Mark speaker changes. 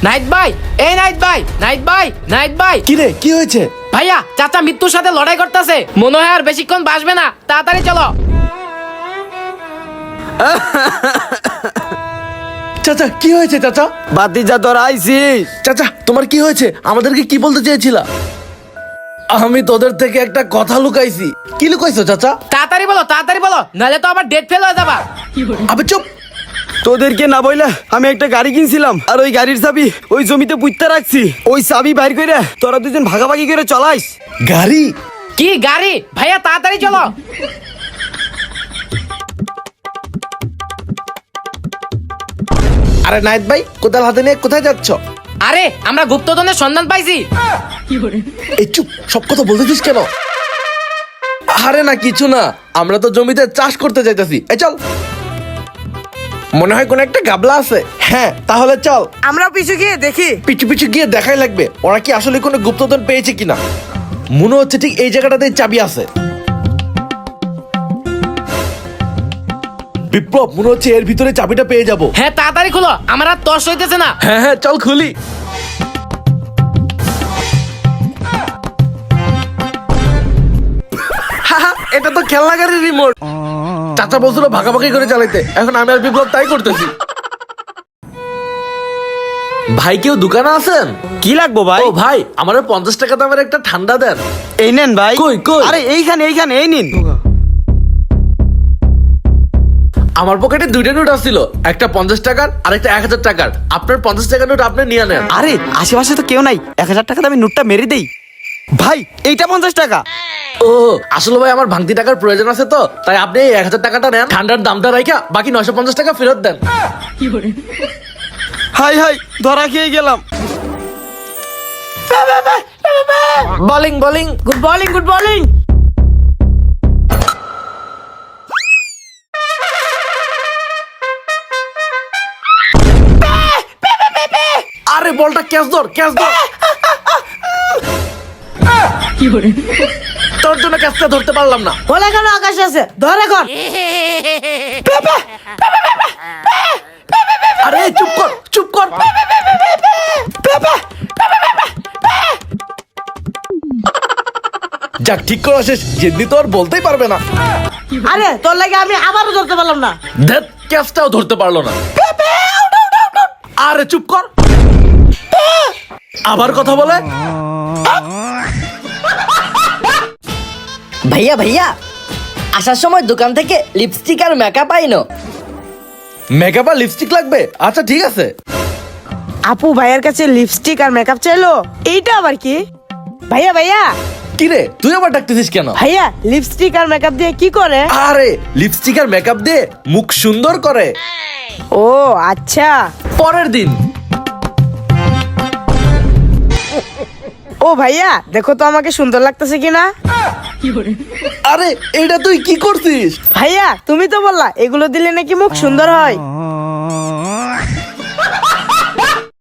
Speaker 1: Night ভাই, এই night ভাই, নাইট ভাই, নাইট ভাই।
Speaker 2: কি রে, কি হয়েছে?
Speaker 1: ভাইয়া, চাচা মৃত্যুর সাথে লড়াই করতেছে, মনে হয় আর বেশিক্ষণ বাঁচবে না, তাড়াতাড়ি চলো।
Speaker 2: চাচা কি হয়েছে চাচা?
Speaker 3: বাতিজা তোর আইছিস?
Speaker 2: চাচা তোমার কি হয়েছে? আমাদেরকে কি বলতে চেয়েছিলা? আমি তোদের থেকে একটা কথা লুকাইছি। কি লুকাইছো চাচা?
Speaker 1: তাড়াতাড়ি বলো, নাহলে তো আবার ডেট ফেল হয়ে যাবা।
Speaker 2: আবে চুপ।
Speaker 3: তোদেরকে না বইলা আমি একটা গাড়ি কিনছিলাম, আর ওই গাড়ির চাবি ওই জমিতে পুঁততে রাখছি। ওই চাবি বাইর করে তোরা দুজন ভাগাভাগি করে চলাইস।
Speaker 2: গাড়ি?
Speaker 1: কি গাড়ি? ভাইয়া তাড়াতাড়ি চলো।
Speaker 2: আরে নাইট ভাই, কোদাল হাতে নিয়ে কোথায় যাচ্ছ?
Speaker 1: আরে আমরা গুপ্তধনের সন্ধান পাইছি।
Speaker 2: এই চুপ, সব কথা বলতেছিস কেন? আরে না কিছু না, আমরা তো জমিতে চাষ করতে যাইতেছি। এই চল। মনে হয় কোন একটা গাবলা আছে। হ্যাঁ তাহলে চল।
Speaker 4: আমরা পিছু গিয়ে দেখি।
Speaker 2: পিছু পিছু গিয়ে দেখাই লাগবে ওরা কি আসলে কোনো গুপ্তধন পেয়েছে কিনা। মনে হচ্ছে ঠিক এই জায়গাটাতে চাবি আছে। বিপ্লব, মনে হচ্ছে এর ভিতরে চাবিটা পেয়ে যাব।
Speaker 1: হ্যাঁ তাড়াতাড়ি খুলো, আমার আর তর্স হইতেছে না।
Speaker 2: হ্যাঁ হ্যাঁ চল খুলি। এটা তো খেলনা গাড়ির রিমোট। চাচা বলছিল ভাগাভাগি করে চালাইতে, এখন আমি আর বিপ্লব তাই করতেছি। ভাই কেউ দোকানে আছেন?
Speaker 3: কি লাগবো ভাই?
Speaker 2: ও ভাই, আমার 50 টাকা দামের একটা ঠান্ডা দেন।
Speaker 3: এই নেন ভাই।
Speaker 2: কই, কই?
Speaker 3: আরে এইখানে এই নিন।
Speaker 2: আমার পকেটে দুইটা নোট আসছিল, একটা 50 টাকার আর একটা 1000 টাকার। আপনার 50 টাকার নোট আপনি নিয়ে নেন।
Speaker 3: আরে আশেপাশে তো কেউ নাই, 1000 টাকা আমি নোটটা মেরে দেই। ভাই এইটা 50 টাকা।
Speaker 2: ও আসলে ভাই আমার ভাঙতি টাকার প্রয়োজন আছে তো, তাই আপনি এই 1000 টাকাটা নেন, ঠান্ডার দামটা রাখা বাকি 950 টাকা ফেরত দেন।
Speaker 3: হাই হাই, ধরা খেয়ে গেলাম।
Speaker 1: Bowling, good bowling.
Speaker 2: আরে বলটা ক্যাচ ধর। তোর জন্য ক্যাচটা ধরতে পারলাম না।
Speaker 4: বলে কেন আকাশ আছে, ধর এখন।
Speaker 2: আরে চুপ কর। যাক, ঠিক করে শেষ। যেদিন তো আর বলতেই পারবে না।
Speaker 4: আরে তোর লাগে আমি আবারও ধরতে পারলাম না।
Speaker 2: ধ্যাৎ, ক্যাচটাও ধরতে পারলো না। আরে চুপ কর। আবার কথা বলে।
Speaker 5: ভাইয়া আসার সময় দোকান থেকে লিপস্টিক আর মেকআপ আইনো।
Speaker 2: মেকআপ আর লিপস্টিক লাগবে? আচ্ছা ঠিক আছে।
Speaker 4: আপু ভাইয়ার কাছে লিপস্টিক আর মেকআপ চাইলো, এইটা আবার কি? ভাইয়া
Speaker 2: কি রে, তুই আবার ডাকতেছিস কেন?
Speaker 4: ভাইয়া লিপস্টিক আর মেকআপ দিয়ে কি করে?
Speaker 2: আরে লিপস্টিক আর মেকআপ দিয়ে মুখ সুন্দর করে।
Speaker 4: ও আচ্ছা।
Speaker 2: পরের দিন।
Speaker 4: ও ভাইয়া দেখো তো আমাকে সুন্দর লাগতেছে কিনা।
Speaker 2: আরে এটা তুই কি করছিস?
Speaker 4: ভাইয়া তুমি তো বললা এগুলো দিলে নাকি মুখ সুন্দর হয়।